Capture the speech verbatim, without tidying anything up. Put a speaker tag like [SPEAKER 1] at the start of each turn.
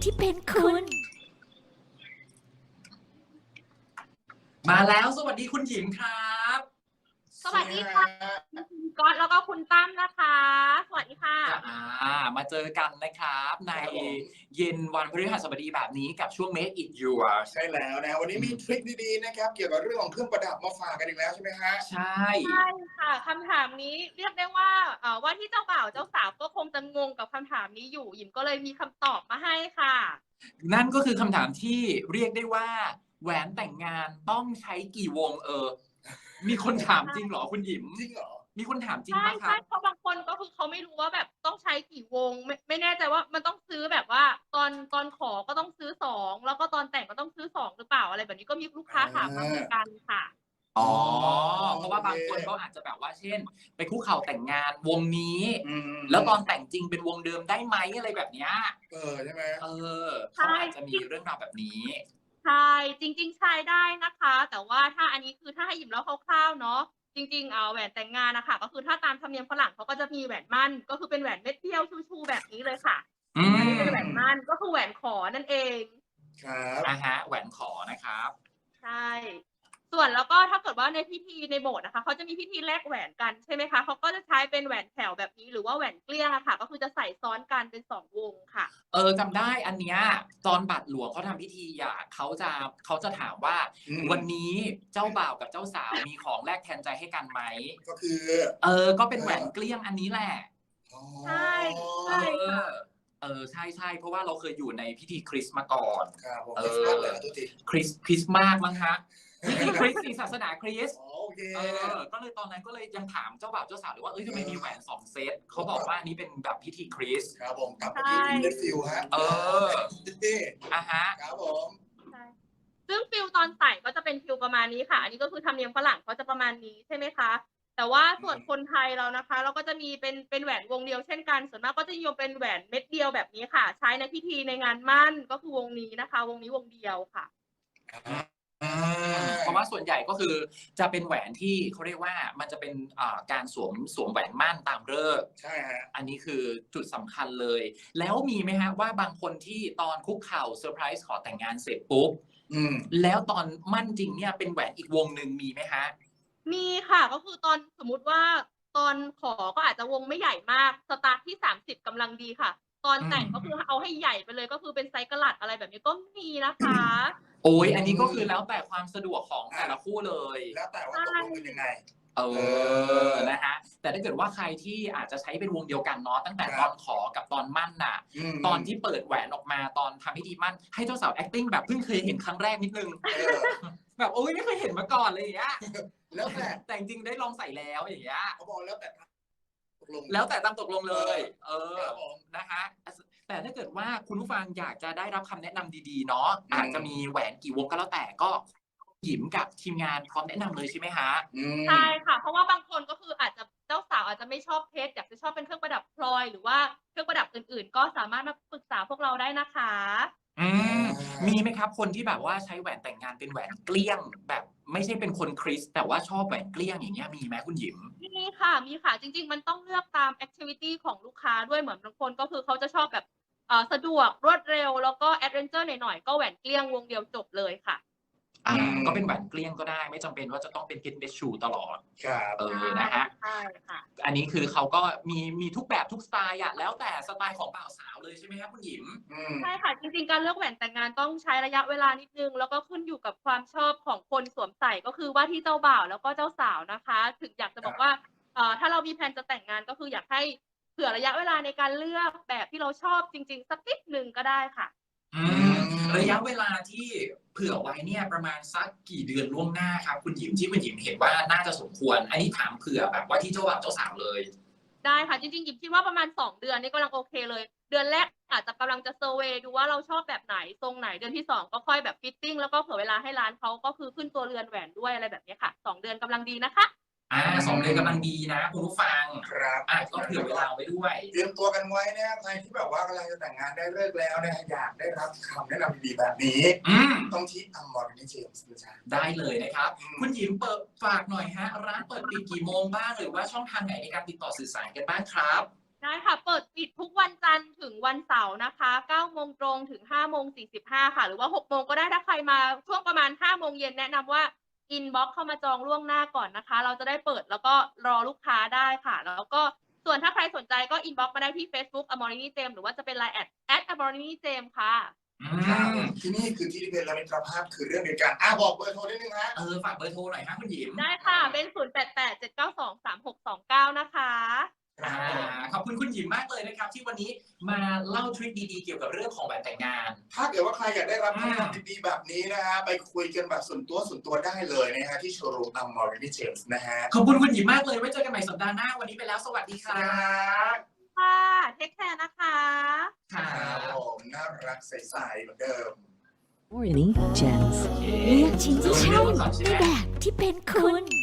[SPEAKER 1] ที่เป็นคุณ
[SPEAKER 2] มาแล้วสวัสดีคุณหญิงครับ
[SPEAKER 3] สวัสดีค่ะคุณก๊อตแล้วก็คุณตั้มนะคะ สวัสดีค่ะ
[SPEAKER 2] อ่ามาเจอกันนะครับในเย็นวันพฤหัสบดีแบบนี้กับช่วง Make It Yours
[SPEAKER 4] ใช่แล้วนะวันนี้มีทริคดีๆนะครับเกี่ยวกับเรื่องของเครื่องประดับมาฝากกันอีกแล้วใช่ไหมฮะ
[SPEAKER 2] ใช่
[SPEAKER 3] ใช่ค่ะคำถามนี้เรียกได้ว่าเอ่อว่าที่เจ้าบ่าวเจ้าสาวก็คงจะงงกับคำถามนี้อยู่หยิมก็เลยมีคำตอบมาให้ค่ะ
[SPEAKER 2] นั่นก็คือคำถามที่เรียกได้ว่าแหวนแต่งงานต้องใช้กี่วงเออ มีคนถามจริงเหรอคุณหญิม
[SPEAKER 4] จริงเหรอ
[SPEAKER 2] มีคนถามจริง
[SPEAKER 3] ใช่
[SPEAKER 2] ปะครั
[SPEAKER 3] ใช่
[SPEAKER 2] บ
[SPEAKER 3] เพราะบางคนก็คือเขาไม่รู้ว่าแบบต้องใช้กี่วงไม่ไม่แน่ใจว่ามันต้องซื้อแบบว่าตอนตอนขอก็ต้องซื้อสองแล้วก็ตอนแต่งก็ต้องซื้อสองหรือเปล่าอะไรแบบนี้ก็มีลูกค้าถามมาเหมือนกันค่ะ
[SPEAKER 2] อ๋อ เพราะว่าบางคนเขาอาจจะแบบว่าเช่น ไปคุกเข่าแต่งงานวงนี้
[SPEAKER 4] อืม
[SPEAKER 2] แล้วตอนแต่งจริงเป็นวงเดิมได้ไหมอะไรแบบเนี้ย
[SPEAKER 4] เออใช่ไหม
[SPEAKER 2] เออเขาอาจจะมีเรื่องราวแบบนี้
[SPEAKER 3] ใช่จริงๆใช้ได้นะคะ แต่ว่าถ้าอันนี้คือถ้าให้หยิบเล่าคร่าวๆเนาะจริงๆเอาแหวนแต่งงานนะคะก็คือถ้าตามธรรมเนียมฝรั่งเขาก็จะมีแหวนมั่นก็คือเป็นแหวนเม็ดเดียวชูๆแบบนี้เลยค่ะ
[SPEAKER 2] อื
[SPEAKER 3] อัน
[SPEAKER 2] ม
[SPEAKER 3] นี้เป็นแหวนมั่นก็คือแหวนขอนั่นเอง
[SPEAKER 4] ครับ
[SPEAKER 2] อ่าฮะแหวนขอนะครับ
[SPEAKER 3] ใช่ ส่วนแล้วก็ถ้าเกิดว่าในพิธีในโบสถ์นะคะเขาจะมีพิธีแลกแหวนกันใช่ไหมคะเขาก็จะใช้เป็นแหวนแถวแบบนี้หรือว่าแหวนเกลี้ยงอะค่ะ ก็คือจะใส่ซ้อนกันเป็นสองวงค่ะ
[SPEAKER 2] เออจำได้อันเนี้ยตอนบัตรหลวงเขาทำพิธีอ่ะเขาจะเขาจะถามว่า
[SPEAKER 4] อืม
[SPEAKER 2] วันนี้เจ้าบ่าวกับเจ้าสาวมีของแลกแทนใจให้กันไหม
[SPEAKER 4] ก็คือ
[SPEAKER 2] เออ ก็เป็นแหวนเกลี้ยงอันนี้แหละ
[SPEAKER 4] อ๋อ
[SPEAKER 3] ใช่ใช่
[SPEAKER 2] เออ เออใช่ใช่เพราะว่าเราเคยอยู่ในพิธีคริสต์มาก่อน
[SPEAKER 4] ครับผม
[SPEAKER 2] เอ
[SPEAKER 4] ค
[SPEAKER 2] อ
[SPEAKER 4] ริสต์มาสเลยนะทุกที
[SPEAKER 2] คริสคริสต์มากมั้งฮะพิธีคริสต์ศาสนาคริสต์
[SPEAKER 4] อ๋อโอเค
[SPEAKER 2] เออ ก็เลยตอนนั้นก็เลยยังถามเจ้าบ่าวเจ้าสาวเลยว่าเอ้ยทำไมมีแหวนสองเซตเขาบอกว่านี่เป็นแบบพิธีคริสต์
[SPEAKER 4] ครับผมกลับมาที่อินเดฟิลฮะ
[SPEAKER 2] เออ
[SPEAKER 4] นี่
[SPEAKER 2] อ่ะฮะ
[SPEAKER 4] ครับผม
[SPEAKER 3] ใช่ซึ่งฟิลตอนใส่ก็จะเป็นฟิลประมาณนี้ค่ะ อันนี้ก็คือธรรมเนียมฝรั่งเขาจะประมาณนี้ใช่ไหมคะ แต่ว่าส่วนคนไทยเรานะคะ เราก็จะมีเป็นเป็นแหวนวงเดียวเช่นกัน ส่วนมากก็จะนิยมเป็นแหวนเม็ดเดียวแบบนี้ค่ะ ใช้ในพิธีในงานมั่นก็คือวงนี้นะคะ วงนี้วงเดียวค่ะ
[SPEAKER 4] อ่า
[SPEAKER 2] เพราะว่าส่วนใหญ่ก็คือจะเป็นแหวนที่เขาเรียกว่ามันจะเป็นอ่าการสวมสวมแหวนมั่นตามฤกษ์
[SPEAKER 4] ใช่ฮะ
[SPEAKER 2] อันนี้คือจุดสำคัญเลย แล้วมีไหมฮะว่าบางคนที่ตอนคุกเข่าเซอร์ไพรส์ขอแต่งงานเสร็จปุ๊บ
[SPEAKER 4] อืม
[SPEAKER 2] แล้วตอนมั่นจริงเนี่ยเป็นแหวนอีกวงหนึ่งมีไหมฮะ
[SPEAKER 3] มีค่ะก็คือตอนสมมุติว่าตอนขอก็อาจจะวงไม่ใหญ่มากสตาร์ทที่สามสิบกำลังดีค่ะ ตอนแต่ง
[SPEAKER 2] อืม
[SPEAKER 3] ก็คือเอาให้ใหญ่ไปเลยก็คือเป็นไซส์กะลัดอะไรแบบนี้ก็มีนะคะ
[SPEAKER 2] โอ้ยอันนี้ก็คือแล้วแต่ความสะดวกของแต่ละคู่เลย
[SPEAKER 4] แล้วแต่ว่าตกลงเป็นยังไง
[SPEAKER 2] เออ นะฮะ แต่ถ้าเกิดว่าใครที่อาจจะใช้เป็นวงเดียวกันเนาะตั้งแต่ตอนขอกับตอนมั่นน่ะ
[SPEAKER 4] ม
[SPEAKER 2] ตอนที่เปิดแหวนออกมาตอนทำพิธีมั่นให้เจ้าสาว acting แบบเพิ่งเคยเห็นครั้งแรกนิดนึง
[SPEAKER 4] เออ
[SPEAKER 2] แบบโอ้ยไม่เคยเห็นมาก่อนเลยอย่างเงี้ย
[SPEAKER 4] แล้วแต่
[SPEAKER 2] แต่จริงๆได้ลองใส่แล้วอย่างเงี้ย
[SPEAKER 4] เขาบอกแล้วแต่ตกลง
[SPEAKER 2] แล้วแต่ตามตกลงเลย เออ
[SPEAKER 4] ครับผม
[SPEAKER 2] นะฮะแต่ถ้าเกิดว่าคุณผู้ฟังอยากจะได้รับคำแนะนำดีๆเนาะ
[SPEAKER 4] อืม
[SPEAKER 2] อาจจะมีแหวนกี่วงก็แล้วแต่ก็หยิมกับทีมงานพร้อมแนะนำเลยใช่ไหมฮะ
[SPEAKER 4] อืม
[SPEAKER 3] ใช่ค่ะ เพราะว่าบางคนก็คืออาจจะเจ้าสาวอาจจะไม่ชอบเพชรอยากจะชอบเป็นเครื่องประดับพลอยหรือว่าเครื่องประดับอื่นๆ ก็สามารถมาปรึกษาพวกเราได้นะคะ
[SPEAKER 2] อืมมีไหมครับคนที่แบบว่าใช้แหวนแต่งงานเป็นแหวนเกลี้ยง แบบไม่ใช่เป็นคนคริสต์แต่ว่าชอบแหวนเกลี้ยงอย่างเงี้ยมีไหมคุณหยิม
[SPEAKER 3] มีค่ะ มีค่ะ จริง ๆ มันต้องเลือกตามแอคทิวิตี้ของลูกค้าด้วยเหมือนบางคนก็คือเขาจะชอบแบบเอ่อสะดวกรวดเร็ว แล้วก็แอดเวนเจอร์หน่อยๆ ก็แหวนเกลี้ยงวงเดียวจบเลยค่ะ
[SPEAKER 2] อ่า
[SPEAKER 4] อืม
[SPEAKER 2] ก็เป็นแหวนเกลี้ยงก็ได้ไม่จำเป็นว่าจะต้องเป็นเพชรเม็ดชูตลอด
[SPEAKER 4] ครับ
[SPEAKER 2] เออนะฮะ
[SPEAKER 3] ใช่ค่ะ
[SPEAKER 2] อันนี้คือเขาก็มีมีทุกแบบทุกสไตล์อะแล้วแต่สไตล์ของบ่าวสาวเลยใช่ไหมครับคุณหยิม
[SPEAKER 4] อืม
[SPEAKER 3] ใช่ค่ะ จริงๆ การเลือกแหวนแต่งงานต้องใช้ระยะเวลานิดนึง แล้วก็ขึ้นอยู่กับความชอบของคนสวมใส่ก็คือว่าที่เจ้าบ่าวแล้วก็เจ้าสาวนะคะ ถึงอยากจะบอกว่าเอ่อถ้าเรามีแผนจะแต่งงานก็คืออยากให้เผื่อระยะเวลาในการเลือกแบบที่เราชอบจริง ๆ สักนิดหนึ่งก็ได้ค่ะ
[SPEAKER 2] อืมระยะเวลาที่เผื่อไว้เนี่ยประมาณสักกี่เดือนล่วงหน้าครับคุณหยิมที่คุณหยิมเห็นว่าน่าจะสมควร อันนี้ถามเผื่อแบบว่าที่เจ้าบ่าวเจ้าสาวเลย
[SPEAKER 3] ได้ค่ะ จริงๆหยิบคิดว่าประมาณสองเดือนนี่กำลังโอเคเลย เดือนแรกอาจจะกำลังจะเซอร์เวย์ดูว่าเราชอบแบบไหนทรงไหน เดือนที่สองก็ค่อยแบบฟิตติ้งแล้วก็เผื่อเวลาให้ร้านเขาก็คือขึ้นตัวเรือนแหวนด้วยอะไรแบบนี้ค่ะสองเดือนกำลังดีนะคะ
[SPEAKER 2] อ่าสองเดือนกำลังดีนะคุณผู้ฟัง
[SPEAKER 4] ครับ
[SPEAKER 2] อ่ะก็เผื่อเวลาไว้ด้วย
[SPEAKER 4] เตรียมตัวกันไว้นะครับใครที่แบบว่ากำลังจะแต่งงานได้เลิกแล้วนะอยากได้รับคำแนะนำดีๆแบบนี้
[SPEAKER 2] อืม
[SPEAKER 4] ต้องที่อัมมอร์นิเจมส์นะจ๊ะ
[SPEAKER 2] ได้เลยนะครับ
[SPEAKER 4] อืม
[SPEAKER 2] คุณหยิมเปิดฝากหน่อยฮะ ร้านเปิดปิดกี่โมงบ้างหรือว่าช่องทางไหนในการติดต่อสื่อสารกันบ้างครับ
[SPEAKER 3] ได้ค่ะ เปิดปิดทุกวันจันทร์ถึงวันเสาร์นะคะเก้าโมงตรงถึงห้าโมงสี่สิบห้าค่ะหรือว่าหกโมงก็ได้ถ้าใครมาช่วงประมาณห้าโมงเย็นแนะนำว่าอินบ็อกเข้ามาจองล่วงหน้าก่อนนะคะเราจะได้เปิดแล้วก็รอลูกค้าได้ค่ะแล้วก็ส่วนถ้าใครสนใจก็อินบ็อกมาได้ที่ Facebook Amorini Gem หรือว่าจะเป็น ไลน์ แอท แอท Amorini Gem ค่ะ
[SPEAKER 2] อื
[SPEAKER 4] ครับ
[SPEAKER 2] ม
[SPEAKER 4] ที่นี่คือที่ที่เป็นและมิตรภาพคือเรื่องเดียวกันอ่ะบอกเบอร์โทรนิดนึงฮะ
[SPEAKER 2] เออฝากเบอร์โทรหน่อยครับคุณหยิม
[SPEAKER 3] ได้ค่ะเป็น ศูนย์ แปด แปด เจ็ด เก้า สอง สาม หก สอง เก้า นะคะ
[SPEAKER 4] ครั
[SPEAKER 2] อ่า
[SPEAKER 4] บผม
[SPEAKER 2] ขอบคุณคุณหยิมมากเลยนะครับ ที่วันนี้มาเล่าทริคดีๆเกี่ยวกับเรื่องของแหวนแต่งงาน
[SPEAKER 4] ถ้าเกิดว่าใครอยากได้รับคำแนะนำดีๆแบบนี้นะฮะไปคุยกันแบบส่วนตัวส่วนตัวได้เลยนะฮะที่โชว์รูม Amorini Gem นะฮะ
[SPEAKER 2] ขอบคุณคุณหยิมมากเลยไว้เจอกันใหม่สัปดาห์หน้าวันนี้ไปแล้วสวัสดีค
[SPEAKER 4] ค
[SPEAKER 2] รั
[SPEAKER 4] รับ บ
[SPEAKER 3] ค่ะเทคแคร์นะคะ
[SPEAKER 2] ครั
[SPEAKER 4] ครับ
[SPEAKER 2] บ
[SPEAKER 4] ผมน่ารักใสๆเหมือนเดิม
[SPEAKER 1] Amorini Gems
[SPEAKER 2] โอเค
[SPEAKER 1] เลือกชิ้นที่ใช่
[SPEAKER 2] ดูก่อนใช่
[SPEAKER 1] ใน
[SPEAKER 2] ไหม
[SPEAKER 1] แบบที่เป็นคุณ